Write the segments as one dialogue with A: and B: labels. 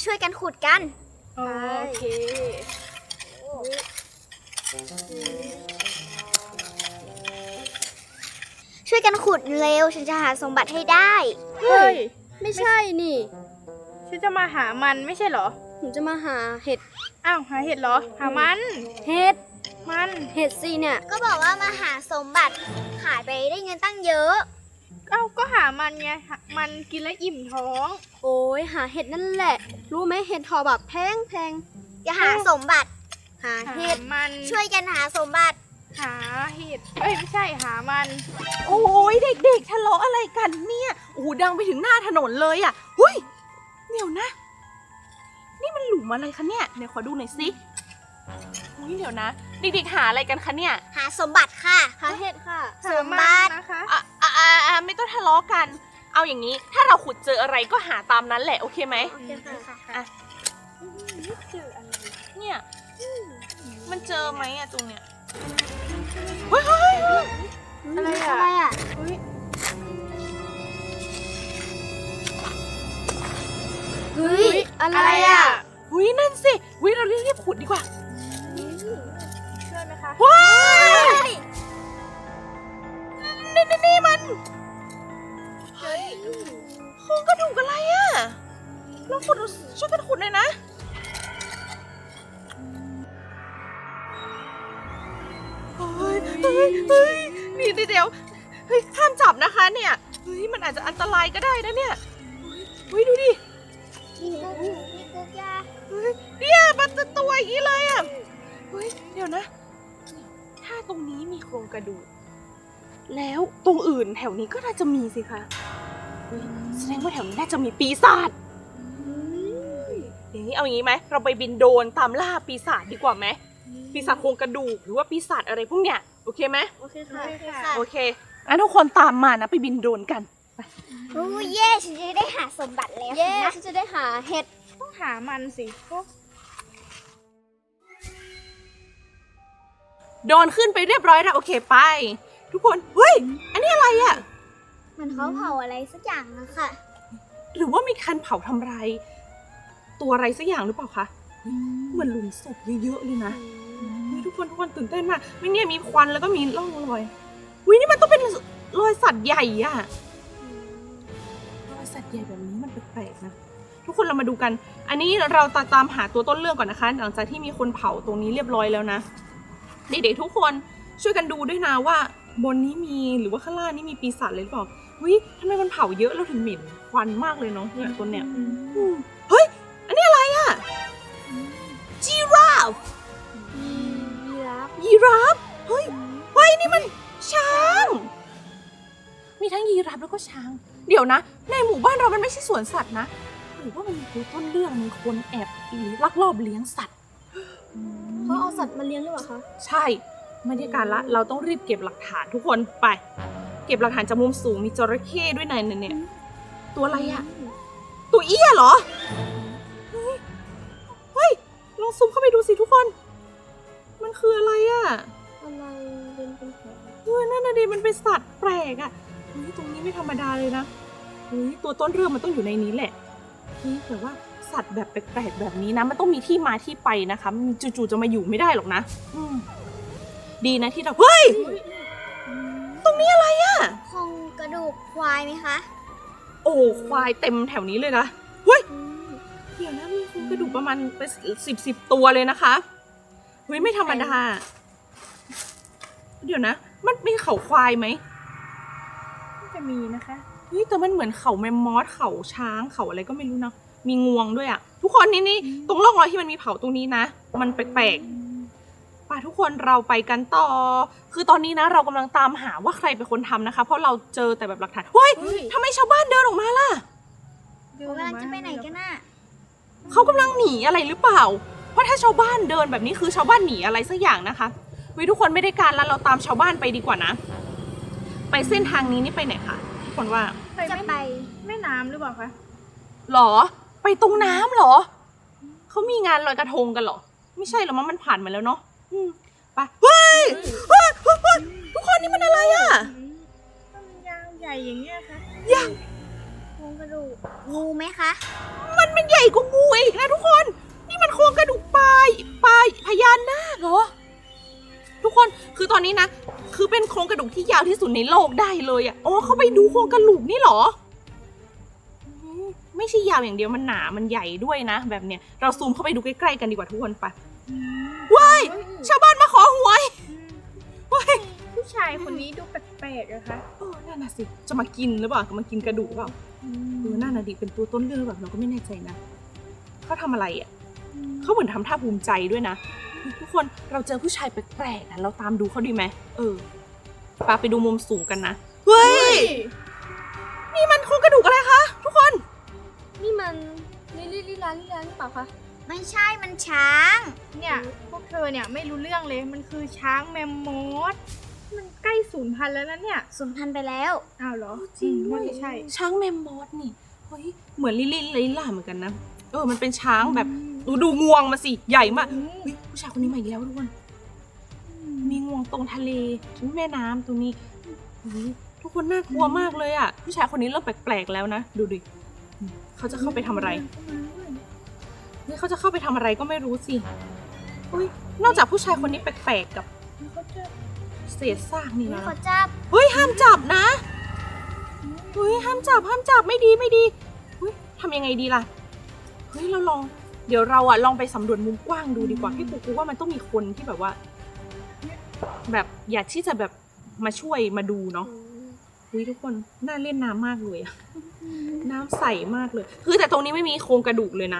A: ช่วยกันขุดกัน
B: โอเค
A: ช่วยกันขุดเร็วฉันจะหาสมบัติให้ได้
B: เฮ้ย
C: ไม่ใช่นี่
B: ฉันจะมาหามันไม่ใช่เหรอ
C: ผมจะมาหาเห็ด
B: อ้าวหาเห็ดเหรอหามัน
C: เห็ดสิเนี่ย
A: ก็บอกว่ามาหาสมบัติขายไปได้เงินตั้งเยอะ
B: อ้าวก็หามันไงมันกินแล้วอิ่มท้อง
C: โอ้ยหาเห็ดนั่นแหละรู้ไหมเห็ดทอแบบแพง
A: อย่าหาสมบัติ
C: หาเห็ด
B: มัน
A: ช่วยกันหาสมบัติ
B: หาเห็ดไม่ใช่หามัน
D: โอ้ยเด็กๆทะเลาะอะไรกันเนี่ยโอ้โหดังไปถึงหน้าถนนเลยอ่ะเฮ้ยเดี๋ยวนะนี่มันหลุมอะไรคะเนี่ยเดี๋ยวขอดูหน่อยสิเฮ้ยเดี๋ยวนะเด็กๆหาอะไรกันคะเนี่ย
A: หาสมบัติค่ะ
C: หาเห็ดค่ะ
A: สมบัติ
B: นะคะ
D: ไม่ต้องทะเลาะกันเอาอย่างนี้ถ้าเราขุดเจออะไรก็หาตามนั้นแหละโอเคไหม
C: โอเคค่ะ
D: เจออะไรเนี่ยมันเจอไหมอะตรงเนี้ยเฮ้ย
C: อะไรอะ
D: เฮ้ย
C: อะไรอะ
D: เฮ้ยนั่นสิเฮ้ยเรารีบขุดดีกว่า
B: ช่วยไหมคะ
D: ว้ายนี่มันเฮ้ยโครงกระดูกอะไรอะเราขุดช่วยกันขุดหน่อยนะเฮ้ยนี่เดี๋ยวเฮ้ยห้ามจับนะคะเนี่ยเฮ้ยมันอาจจะอันตรายก็ได้นะเนี่ยเฮ้ยดูดิ
A: มีกุ๊กยา
D: เฮ้ยเนี่ยมันจะตัวอย่างนี้เลยอ่ะเฮ้ยเดี๋ยวนะถ้าตรงนี้มีโครงกระดูกแล้วตรงอื่นแถวนี้ก็น่าจะมีสิคะแสดงว่าแถวนี้น่าจะมีปีศาจอย่างนี้เอาอย่างนี้ไหมเราไปบินโดรนตามล่าปีศาจดีกว่าไหมปีศาจโครงกระดูกหรือว่าปีศาจอะไรพวกเนี้ยโอเคไหม
C: โอเคค่ะ
D: โอเคงั้นทุกคนตามมานะไปบินโดรนกัน
A: โอ้เย่ฉันจะได้หาสมบัติแล้ว
C: ฉันจะได้หาเห็ด
B: ต้องหามันสิ
D: โดรนขึ้นไปเรียบร้อยแล้วโอเคไปทุกคนเฮ้ยอันนี้อะไรอ่ะ
A: มันเขาเผาอะไรสักอย่างนะคะ
D: หรือว่ามีคันเผาทำลายตัวอะไรสักอย่างหรือเปล่าคะเหมือนหลุมศพเยอะๆเลยนะทุกคนตื่นเต้นมากไม่เนี่ยมีควันแล้วก็มีร่องรอยนี่มันต้องเป็นรอยสัตว์ใหญ่อะรอยสัตว์ใหญ่แบบนี้มันแปลกๆนะทุกคนเรามาดูกันอันนี้เราตามหาตัวต้นเรื่องก่อนนะคะหลังจากที่มีคนเผาตรงนี้เรียบร้อยแล้วนะเด็กๆทุกคนช่วยกันดูด้วยนะว่าบนนี้มีหรือว่าข้างล่างนี่มีปีศาจเลยหรือเปล่าทำไมมันเผาเยอะแล้วถึงเหม็นควันมากเลยเนาะเนี่ยต้นเนี่ยเฮ้ยอันนี้อะไรอะจีราฟเฮ้ยนี่มันช้างมีทั้งยีราฟแล้วก็ช้างเดี๋ยวนะในหมู่บ้านเรามันไม่ใช่สวนสัตว์นะหรือว่ามันมีต้นเรื่องมีคนแอบลักลอบเลี้ยงสัตว์
C: เขาเอาสัตว์มาเลี้ยงหรือเปล่าคะ
D: ใช่ไม่ได้การละเราต้องรีบเก็บหลักฐานทุกคนไปเก็บหลักฐานจากมุมสูงมีจระเข้ด้วยเนี่ยตัวอะไรอะตัวเอี้ยเหรอเฮ้ยลองซูมเข้าไปดูสิทุกคนมันคืออะไรอะ
C: อะไรเป็นแผล
D: นั่นน่ะดิมันเป็นสัตว์แปลกอ่ะตรงนี้ไม่ธรรมดาเลยนะตัวต้นเรื่องมันต้องอยู่ในนี้แหละแต่ว่าสัตว์แบบแปลกๆแบบนี้นะมันต้องมีที่มาที่ไปนะคะมันจู่ๆจะมาอยู่ไม่ได้หรอกนะดีนะที่เราเฮ้ยตรงนี้อะไรอ่ะ
A: โครงกระดูกควายไหมคะ
D: โอ้ควายเต็มแถวนี้เลยนะเฮ้ยเดี๋ยวนะมีโครงกระดูกประมาณเป็น10ตัวเลยนะคะไม่ธรรมดาเดี๋ยวนะมันมีเขาควายไหม
B: จะมีนะคะ
D: แต่มันเหมือนเขาแมมมอสเขาช้างเขาอะไรก็ไม่รู้นะมีงวงด้วยอ่ะทุกคนนี่ตรงร่องรอยที่มันมีเผาตรงนี้นะมันแปลกๆป่ะทุกคนเราไปกันต่อคือตอนนี้นะเรากำลังตามหาว่าใครเป็นคนทำนะคะเพราะเราเจอแต่แบบหลักฐานทำไมชาวบ้านเดินออกมาล่ะ
A: เขากำลังจะไปไหนกันน่ะ
D: เขากำลังหนีอะไรหรือเปล่าเพราะถ้าชาวบ้านเดินแบบนี้คือชาวบ้านหนีอะไรสักอย่างนะคะทุกคนไม่ได้การแล้วเราตามชาวบ้านไปดีกว่านะไปเส้นทางนี้นี่ไปไหนคะทุกคนว่า
A: จะไป
B: แม่น้ำหรือเปล่าคะ
D: หรอไปตรงน้ำหรอเขามีงานลอยกระทงกันหรอไม่ใช่หรอมันผ่านมาแล้วเนาะไปเฮ้ยทุกคนนี่มันอะไรอ่ะ
B: มันยาวใหญ่อย่างเงี้ยค่ะ
D: ยาว
B: รงกระดูก
A: งูไหมคะ
D: มันใหญ่กว่างูอีกนะทุกคน นี่มันโครงกระดูกปลาพญานาคเหรอทุกคนคือตอนนี้นะคือเป็นโครงกระดูกที่ยาวที่สุดในโลกได้เลยอ่ะอ๋อเข้าไปดูโครงกระดูกนี่เหรอไม่ใช่ยาวอย่างเดียวมันหนามันใหญ่ด้วยนะแบบเนี้ยเราซูมเข้าไปดูใกล้ๆกันดีกว่าทุกคนไปว้ายชาวบ้านมาขอหวยว้าย
B: ผู้ชายคนนี้ดูแปลกๆอะคะ
D: นั่นน่ะสิจะมากินหรือเปล่าจะมากินกระดูกหรือเปล่านั่นน่ะดิเป็นตัวต้นเรื่องแบบเราก็ไม่แน่ใจนะเขาทำอะไรอ่ะเขาเหมือนทำท่าภูมิใจด้วยนะทุกคนเราเจอผู้ชายแปลกๆนะเราตามดูเขาดีไหมปาไปดูมุมสูงกันนะเฮ้ยนี่มันโครงกระดูกอะไรคะทุกคน
C: นี่มันลิลาหรือเปล่าคะ
A: ไม่ใช่มันช้าง
B: เนี่ยพวกเธอเนี่ยไม่รู้เรื่องเลยมันคือช้างแมมมอสมันใกล้สูญพันธุ์แล้วนะเนี่ย
A: สูญพันธุ์ไปแล้ว
B: อ้าวเหรอ
D: จริงด้ว
B: ว่าย จะใช่
D: ช้างแมมมอสนี่เฮ้ยเหมือนลิลล่าเหมือนกันนะมันเป็นช้างแบบดูงวงมาสิใหญ่มากเฮ้ยผู้ชายคนนี้มาอีกแล้วทุกคนมีงวงตรงทะเลแม่น้ำตรงนี้ทุกคนน่ากลัวมากเลยอ่ะผู้ชายคนนี้เริ่มแปลกๆแล้วนะดูดิเขาจะเข้าไปทำอะไรนี่เขาจะเข้าไปทำอะไรก็ไม่รู้สินอกจากผู้ชายคนนี้แปลกๆกับเศษซากนี่
A: ไม่
D: นะ
A: ขอจับ
D: เฮ้ยห้ามจับนะเฮ้ยห้ามจับไม่ดีเฮ้ยทำยังไงดีล่ะเฮ้ยเราลองเดี๋ยวเราอะลองไปสำรวจมุมกว้างดูดีกว่าพี่กูว่ามันต้องมีคนที่แบบว่าแบบอยากที่จะแบบมาช่วยมาดูเนาะเฮ้ยทุกคนน่าเล่นน้ำมากเลยอะน้ำใสมากเลยคือแต่ตรงนี้ไม่มีโครงกระดูกเลยนะ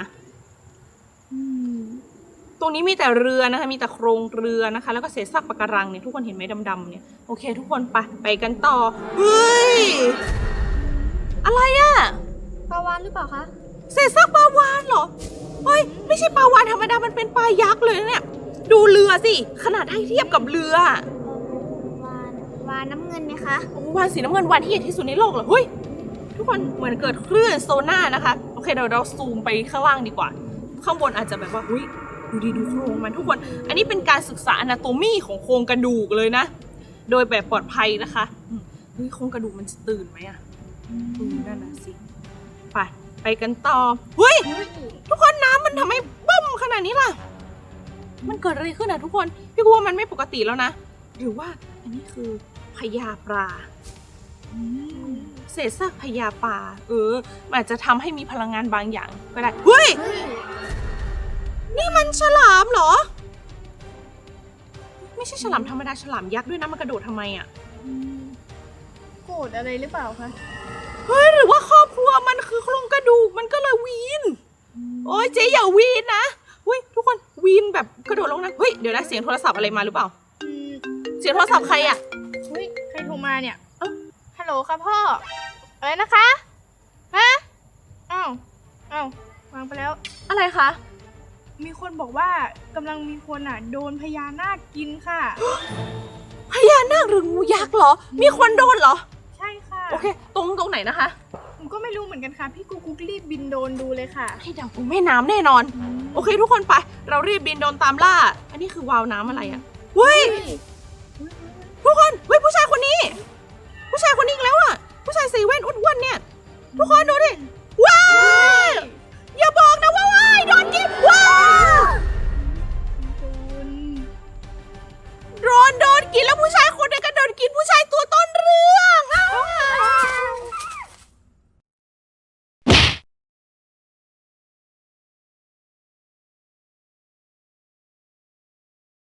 D: ตรงนี้มีแต่เรือนะคะมีแต่โครงเรือนะคะแล้วก็เศษซากปะการังเนี่ยทุกคนเห็นไหมดำๆเนี่ยโอเคทุกคนไปกันต่อเฮ้ยอะไรอะ
C: ปลาวาฬหรือเปล่าคะ
D: เศษซากปลาวาฬเหรอเฮ้ยไม่ใช่ปลาวาฬธรรมดามันเป็นปลายักษ์เลยนะเนี่ยดูเรือสิขนาดให้เทียบกับเรือ
A: วานน้ำเงินไหมคะ
D: วาฬสีน้ำเงินวาฬที่ใหญ่ที่สุดในโลกเหรอเฮ้ยทุกคนเหมือนเกิดคลื่นโซน่านะคะโอเคเดี๋ยวเราซูมไปข้างล่างดีกว่าข้างบนอาจจะแบบว่าอุ้ยดูโครงมันทุกคนอันนี้เป็นการศึกษาอนาโตมีของโครงกระดูกเลยนะโดยแบบปลอดภัยนะคะเฮ้ยโครงกระดูกมันจะตื่นไหมอะนั่นน่ะสิไปกันต่อเฮ้ยทุกคนน้ำมันทำไมบึ้มขนาดนี้ล่ะมันเกิดอะไรขึ้นอะทุกคนพี่กูว่ามันไม่ปกติแล้วนะหรือว่าอันนี้คือพญาปลาเศษซากพญาปลามันอาจจะทำให้มีพลังงานบางอย่างก็ได้เฮ้ยนี่มันฉลามเหรอไม่ใช่ฉลามธรรมดาฉลามยักษ์ด้วยนะมันกระโดดทำไมอะ
B: โกรธอะไรหรือเปล่าคะ
D: เฮ้ยหรือว่าครอบครัวมันคือโครงกระดูกมันก็เลยวีนโอ้ยเจ๊อย่าวีนนะเฮ้ยทุกคนวีนแบบกระโดดลงนะเฮ้ยเดี๋ยวนะเสียงโทรศัพท์อะไรมาหรือเปล่าเสียงโทรศัพท์ใครอะ
B: เฮ้ยใครโทรมาเนี่ยฮัลโหลค่ะพ่ออะไรนะคะฮะอ้าววางไปแล้ว
D: อะไรคะ
B: มีคนบอกว่ากำลังมีคนโดนพญานาคกินค่ะ
D: พญานาคหรืองูยักษ์เหรอมีคนโดนเหรอ
B: ใช่ค่ะ
D: โอเคตรงไหนนะคะ
B: ผมก็ไม่รู้เหมือนกันค่ะพี่กุ๊กรีบบินโดรนดูเลยค่ะ
D: ให้เดากูแม่น้ำแน่นอนโอเคทุกคนไปเรารีบบินโดรนตามล่าอันนี้คือวาล์วน้ำอะไรอะเฮ้ยทุกคนเฮ้ยผู้ชายคนนี้อีกแล้วอะผู้ชายใส่แว่นอ้วนๆเนี่ยทุกคนดูดิว้าวอย่าบอกนะว่าว้ายโดนกินว้าวโดนกินแล้วผู้ช